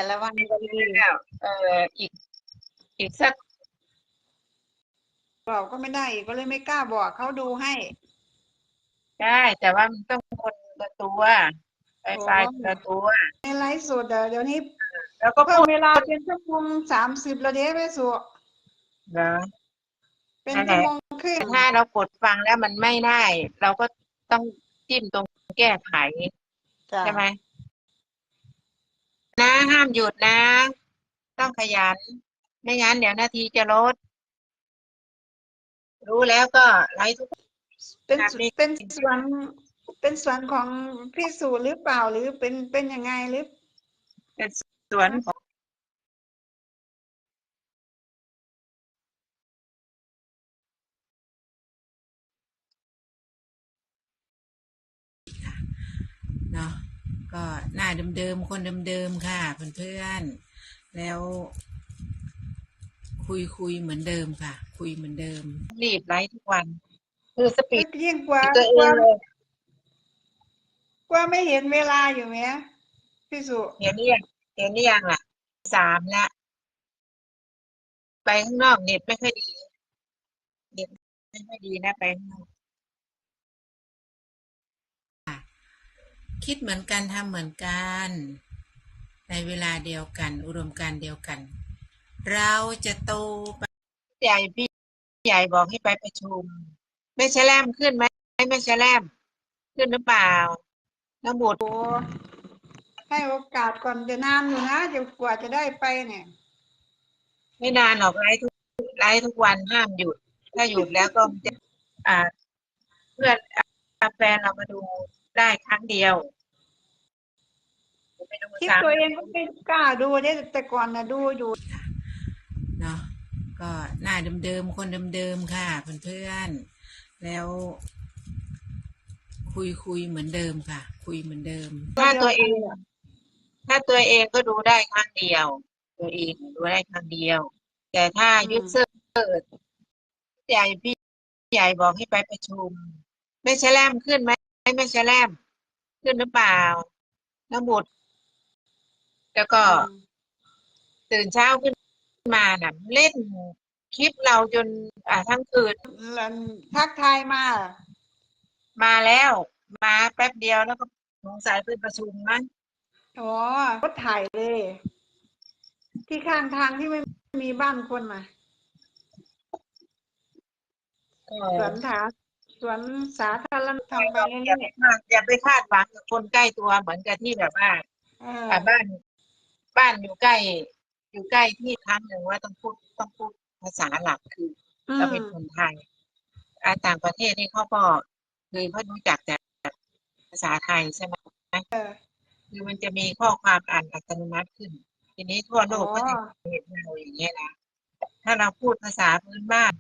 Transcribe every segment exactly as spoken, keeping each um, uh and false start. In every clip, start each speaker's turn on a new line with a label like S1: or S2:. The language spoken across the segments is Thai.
S1: ละวันดี
S2: แล้วเอออีกอีกสัก
S1: บอกก็ไม่ได้อีกก็เลยไม่กล้าบอกเขาดูให้
S2: ได้แต่ว่ามันต้องคนละตัวไฟ
S1: โอ้
S2: ไฟละตัว
S1: ในไลฟ์สดอะเดี๋ยวนี้
S2: แล้วก็พูด
S1: เพิ่มเวลาเป็นชั่วโมงสามสิบแล้วเด้ไม่สุ
S2: เหรอ
S1: เป็น
S2: นั่นแหละ
S1: ชั่วโมงครึ่ง
S2: แต่ถ้าเรากดฟังแล้วมันไม่ได้เราก็ต้องจิ้มตรงแก้ไข
S1: จ้ะ
S2: ใช่ไหมนะห้ามหยุดนะต้องขยันไม่งั้นเดี๋ยวนาทีจะลดรู้แล้วก็ไลฟ์ทุก
S1: เป็น
S2: แบบนี้
S1: เป็นสวนเป็นสวนของพี่สุหรือเปล่าหรือเป็นเป็นยังไงหรือ
S2: เป็นสวนของเนาะก็หน้าเดิมๆคนเดิมๆค่ะเพื่อนๆแล้วคุยคุยเหมือนเดิมค่ะคุยเหมือนเดิมรีบไลฟ์ทุกวันคือสปี
S1: ก็
S2: ด
S1: ยิ่งกว่า
S2: ตัวเอ
S1: กว่า
S2: งเลย
S1: กว่าไม่เห็นเวลาอยู่ไหมพี่สุ
S2: เห็นหรือยังเห็นหรือยังล่ะสามละไปข้างนอกเน็ตไม่ค่อยดีเน็ตไม่ค่อยดีนะไปข้างนอกคิดเหมือนกันทำเหมือนกันในเวลาเดียวกันอุดมการณ์เดียวกันเราจะโตไปใหญ่พี่ใหญ่บอกให้ไปประชุมไม่ใช่แลมขึ้นไหมไม่ใช่แลมขึ้นหรือเปล่าน้ำบุตร
S1: โอ้ให้โอกาสก่อนจะนานอยู่นะจะกว่าจะได้ไปเนี่ย
S2: ไม่นานหรอกไลฟ์ทุกไลฟ์ทุกวันห้ามหยุดถ้าหยุดแล้วก็จะอ่าเพื่อนแฟนเรามาดูได้ครั้งเดียวไปดู
S1: คลิป
S2: ซ้ำ
S1: ตัวเองก็ไม่กล้าดูเนี่ยแต่ก่อนนะดูอยู่
S2: เนาะก็หน้าเดิมๆคนเดิมๆค่ะเพื่อนๆแล้วคุยคุยเหมือนเดิมค่ะคุยเหมือนเดิมถ้า
S1: เดียว
S2: ตัวเอง
S1: กันเนี่ย
S2: ถ้าตัวเองก็ดูได้ครั้งเดียวตัวเองดูได้ครั้งเดียวแต่ถ้า
S1: อืม
S2: ยูเซอร์ใหญ่พี่ใหญ่บอกให้ไปประชุมไม่ใช่แลมขึ้นไหมไม่ใช่แลมขึ้นหรือเปล่าน้ำบุตรแล้วก็
S1: อืม
S2: ตื่นเช้าขึ้นมาน่ะเล่นคลิปเราจนอ่าทั้งคืน
S1: แล้วทักทายมา
S2: มาแล้วมาแป๊บเดียวแล้วก็สงสัยเป็นประชุมมั้ง
S1: อ๋อรถถ่ายเลยที่ข้างทางที่ไม่มีบ้านคนมา
S2: ก็
S1: สวนถาสวนสาธารณะทำไป
S2: เราอย่าไป
S1: เรื่อย
S2: คาดอย่าไปคาดหวังกับคนใกล้ตัวเหมือนกับที่แบบว่า
S1: ๆเออ
S2: อ่าบ้านบ้านอยู่ใกล้อยู่ใกล้ที่ครั้งหนึ่งว่าต้องพูดต้องพูดภาษาหลักคือ
S1: อื
S2: เรา
S1: ม
S2: เป็นคนไทยอ่าต่างประเทศนี่เขาก็คือเขารู้จักแต่ภาษาไทยใช่ไหม
S1: เออ
S2: คือมันจะมีข้อความอ่านอัตโนมัติขึ้นทีนี้ทั่ว
S1: อ๋อ
S2: โลกก็จะเห็นเราอย่างเงี้ยนะถ้าเราพูดภาษาพื้นบ้าน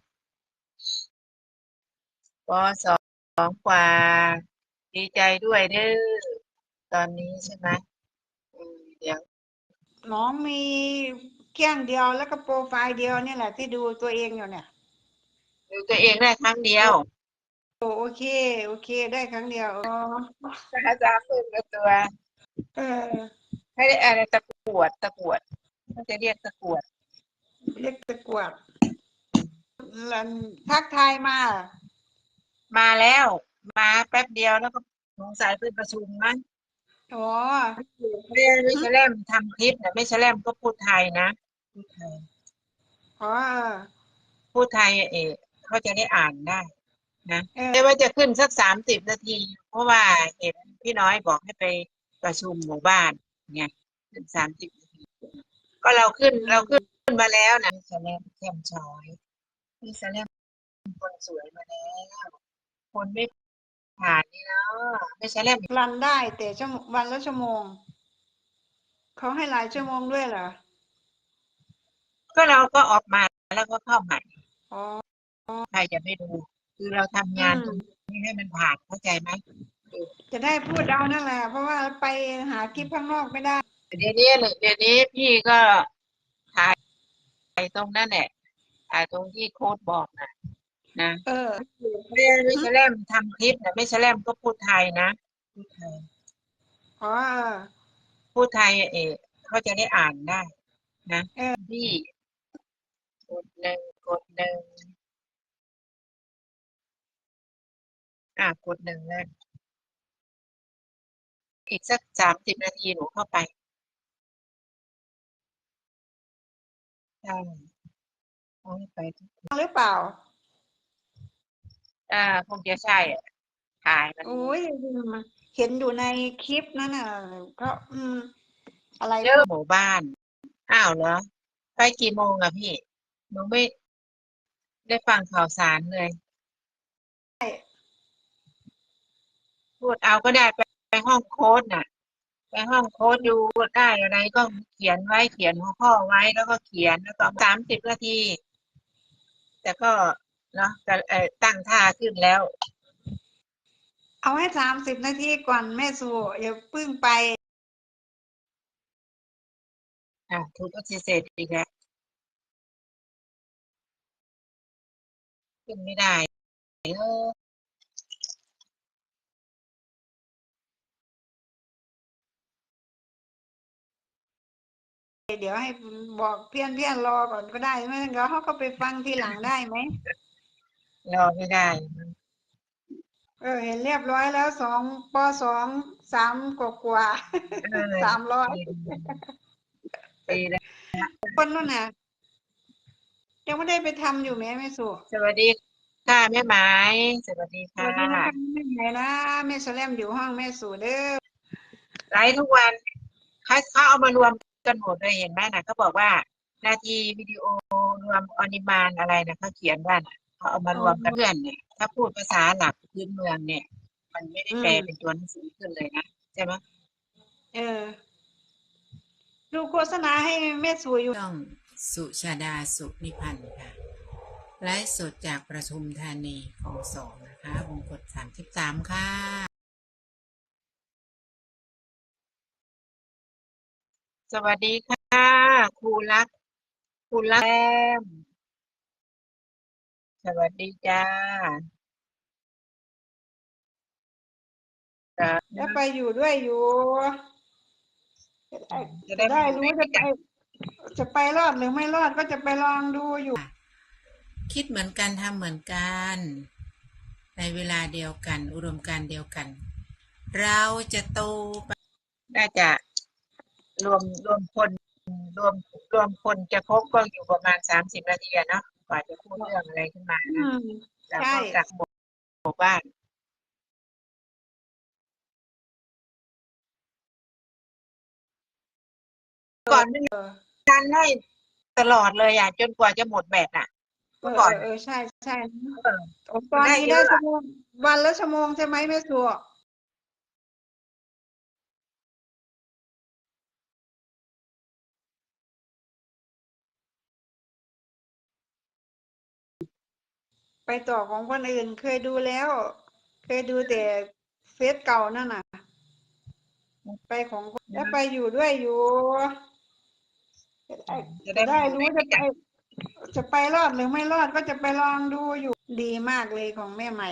S2: ปสองกว่าดีใจด้วยเด้อตอนนี้ใช่ไหมอืมเดี๋ยว
S1: น้องมีเครื่องเดียวแล้วก็โปรไฟล์เดียวนี่แหละที่ดูตัวเองอยู่เนี่ย
S2: ดูตัวเองได้ครั้งเดียว
S1: โอโอเคโอเคได้ครั้งเดียวอ๋อ
S2: ภาษาพึ่งกับตัว
S1: เออ
S2: ให้ได้อะไรตะกรวดตะกรวดเขาจะเรียกตะกรวด
S1: เรียกตะกรวดแล้วทักทายมา
S2: มาแล้วมาแป๊บเดียวแล้วก็สงสัยเป็นประชุมมั้ง
S1: อ๋อ
S2: ไม่ไม่ใช่แลมทำคลิปนะไม่ใช่แลมก็พูดไทยนะพูดไทย
S1: อ๋อ
S2: พูดไทยเออเขาจะได้อ่านได้นะ
S1: เออ
S2: ไม่ว่าจะขึ้นสักสามสิบนาทีเพราะว่าเห็นพี่น้อยบอกให้ไปประชุมหมู่บ้านไงขึ้นสามสิบนาทีก็เราขึ้น
S1: อื
S2: เราขึ้น
S1: ม
S2: มาแล้วนะพี่แสลมแจ่มช้อยพี่แสลมคนสวยมาแล้วคนไม่ผ่านนี่เนาะไม่ใช่แลม
S1: รันได้แต่ชั่วโมงวันละชั่วโมงเขาให้หลายชั่วโมงด้วยเหรอ
S2: ก็เราก็ออกมาแล้วก็เข้าใหม่
S1: อ๋อ
S2: ใครจะไม่ดูคือเราทำ
S1: อื
S2: งานตรง
S1: ม
S2: นี้ให้มันผ่านเข้าใจไหมเออ
S1: จะได้พูดเอานั่นแหละเพราะว่าไปหาคลิปข้างนอกไม่ได้
S2: เดี๋ยวนี้เดี๋ยวนี้พี่ก็ถ่ายตรงนั่นแหละถ่ายตรงที่โค้ดบอกนะนะ
S1: เออ
S2: ไม่ไม่
S1: หึ
S2: ใช่แลมทำคลิปนะไม่ใช่แลมก็พูดไทยนะพูดไทย
S1: อ๋อ
S2: พูดไทยเออเขาจะได้อ่านได้นะ
S1: เออ
S2: พี่กดหนึ่งกดหนึ่งอ่ะกดหนึ่งเลยอีกสักสามสิบนาทีหนูเข้าไปใช่เอาให้ไปทุก
S1: หรือเปล่า
S2: อ่าคงจะใช่อะถ่ายมัน
S1: โอ้ยเห็นอยู่ในคลิปนั่นน่ะก็อืม อะไร
S2: เจอหมู่บ้าน อ้าวเหรอ ไปกี่โมงอะพี่ หนูไม่ได้ฟังข่าวสารเลย พูดเอาก็ได้ไปไปห้องโค้ดน่ะ ไปห้องโค้ดดูได้อะไรก็เขียนไว้เขียนหัวข้อไว้แล้วก็เขียนแล้วก็สามสิบนาที แต่ก็เนาะแต่เอ่อตั้งท่าขึ้นแล้ว
S1: เอาให้สามสิบนาทีก่อนแม่สู่อย่าเพิ่งไป
S2: อ่ะถูกปฏิเสธอีกแล้วขึ้นไม่ได้เออ
S1: เดี๋ยวให้บอกเพื่อนเพื่อนรอก่อนก็ได้ไม่งั้นเดี๋ยวเขาก็ไปฟังทีหลังได้ไหม
S2: รอไม่ได้
S1: เออ เห็นเรียบร้อยแล้วสองปสองสามกว่ากว่า
S2: เออ
S1: สามร้อย
S2: ดีดีแล้ว
S1: คนนู้นน่ะ ยังไม่ได้ไปทำอยู่แม่แม่สู่
S2: สวัสดีค่ะแม่หมายสวัสดี
S1: ส
S2: ค่ะ
S1: วัสดีนะคะแม่ไหนนะแม่แสลมอยู่ห้องแม่สู่เด้อ
S2: ไลฟ์ทุกวันเขาเขาเอามารวมกันหมดเลยเห็นไหมนะเขาบอกว่านาทีวิดีโอรวมออนิมานอะไรนะเขาเขียนว่าน่ะเขาเอามารวมกันเพื่อนเนี่ย ถ้าพูดภาษาหลักพื้นเมืองเนี่ย มันไม่ได้แปลเป็นตัวหนังสือขึ้นเลยนะใช่ไหม
S1: เออ ดูโฆษณาให้แม่สู่อยู่
S2: ช่องสุชาดาสุนิพันธ์ค่ะไลฟ์สดจากประทุมธานีของสองนะคะวงกดสามสิบสามค่ะ สวัสดีค่ะครูรักครูรักแอมสวัสดีจ้าจ้า
S1: จะไปอยู่ด้วยอยู่จะได้
S2: จะ
S1: จะ
S2: ได้
S1: ได้
S2: มาอยู่
S1: รู้
S2: ด้วย
S1: จะ
S2: กั
S1: ไป
S2: น
S1: จะไปรอดหรือไม่รอดก็จะไปลองดูอยู่
S2: คิดเหมือนกันทำเหมือนกัน ในเวลาเดียวกัน อุดมการณ์เดียวกัน เราจะโตไปน่าจะรวมรวมคนรวมรวมคนจะครบก็อยู่ประมาณสามสิบนาทีอะเนาะกว่าจะพูดเรื่องอะไรขึ้นมา
S1: อื
S2: นะ
S1: ม
S2: แล้ว
S1: ใช่
S2: ก็จากหมู่หมู่บ้าน ก่อนไม่มี
S1: เออ
S2: การให้ตลอดเลยอะจนกว่าจะหมดแบตอะ
S1: เอ
S2: เมื่
S1: อ
S2: อ
S1: เอ
S2: ก่อ
S1: อน เอ
S2: น่ะ
S1: อ ใช่ ใช่
S2: เออ
S1: โอ้ต
S2: มั
S1: อน น
S2: ได้
S1: นี้
S2: เย
S1: ได้
S2: อะ
S1: ชั่
S2: อะ
S1: วโมง วันละชั่วโมงใช่ไหมแม่สู่ ไปต่อของคนอื่นเคยดูแล้ว เคยดูแต่เฟซเก่านั่นน่ะ ไปของจะไปอยู่ด้วยอยู่ จะได้
S2: จะ
S1: จะ
S2: ได้มา
S1: ได้
S2: อยู่
S1: รู้
S2: ด้วย
S1: จะ
S2: กั
S1: ไป
S2: น
S1: จะไปรอดหรือไม่รอดก็จะไปลองดูอยู่ ดีมากเลยของแม่ไหม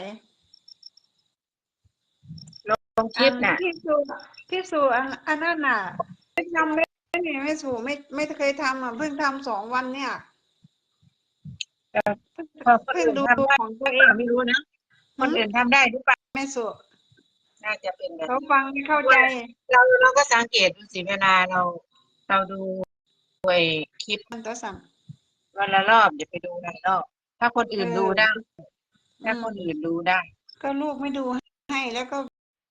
S2: ลงค
S1: อั
S2: ลิ
S1: น
S2: ปน่ะ
S1: ที่สู่ ที่สู่ อัน อันนั้นน่ะ ไม่ทำเลยนี่แม่สู่ไม่ ไม่เคยทำอะเพิ่งทำสองวันเนี่ย
S2: เออ พอคน
S1: เพิ่ง
S2: อื่น
S1: ดู
S2: ทำได้
S1: ของ
S2: ห
S1: ตั
S2: รื
S1: ว
S2: อ
S1: เอ
S2: เปล่าง ไม่รู้นะ
S1: ห
S2: คนอื่นทำได้หรือเปล่า
S1: แม่สู่
S2: น่าจะเป็นแบบ
S1: เขา
S2: นี้
S1: ฟังไม่เข้า
S2: ว่
S1: ใจ
S2: า เรา เราก็สังเกตดูสิเวลาเรา เราดู ไอ้คลิป
S1: มันตัวสั่น
S2: วันละรอบอย่าไปดูหลายรอบ ถ้าคน
S1: เอ
S2: อื่น
S1: อ
S2: ดูได้
S1: อื
S2: ถ้าคน
S1: ม
S2: อื่นดูได้
S1: ก็ลูกไม่ดู ให้แล้วก็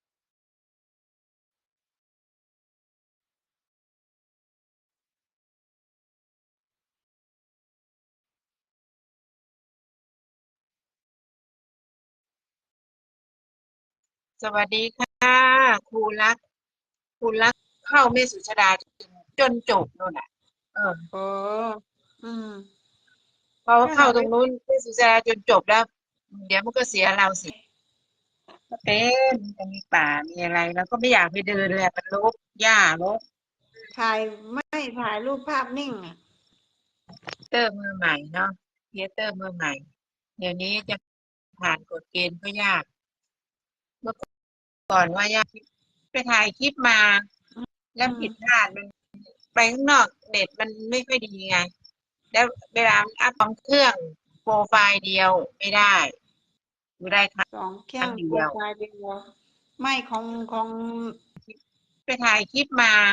S2: สวัสดีค่ะครูรัก ครูรักเข้าแม่สุชาดา จน จนจบนู่นน่ะ เออ
S1: อ๋อ อืม
S2: พอ
S1: นั่น
S2: เข
S1: น่
S2: ้า
S1: ะ
S2: ต
S1: ไป
S2: รงนู้นแม่สุชาดาจนจบแล้ว เดี๋ยวมันก็เสียเราสิ ก็เป็น มันจะมีป่า มีอะไร เราก็ไม่อยากไปเดินเลยอะ มันรก หญ้ารก
S1: ถ่าย ไม่ ถ่ายรูปภาพนิ่งอะ
S2: เตอร์ มือใหม่เนาะ ครีเอเตอร์ มือใหม่ เดี๋ยวนี้จะ ผ่านกฎเกณฑ์ก็ยาก เมื่อ ก่อนว่ายาก ไปถ่ายคลิปมา
S1: อื
S2: แล้ว
S1: อื
S2: ผิด
S1: ม
S2: พลาด มัน ไปไปข้างนอกเน็ตมันไม่ค่อยดีไงแล้วเวลาอัพของเครื่องโปรไฟล์เดียวไม่ได้ดูได้ครั้
S1: สองเครื่องโปร
S2: งเดียว
S1: ไฟล์เดียวไม่ของของ
S2: ไปถ่ายคลิปมา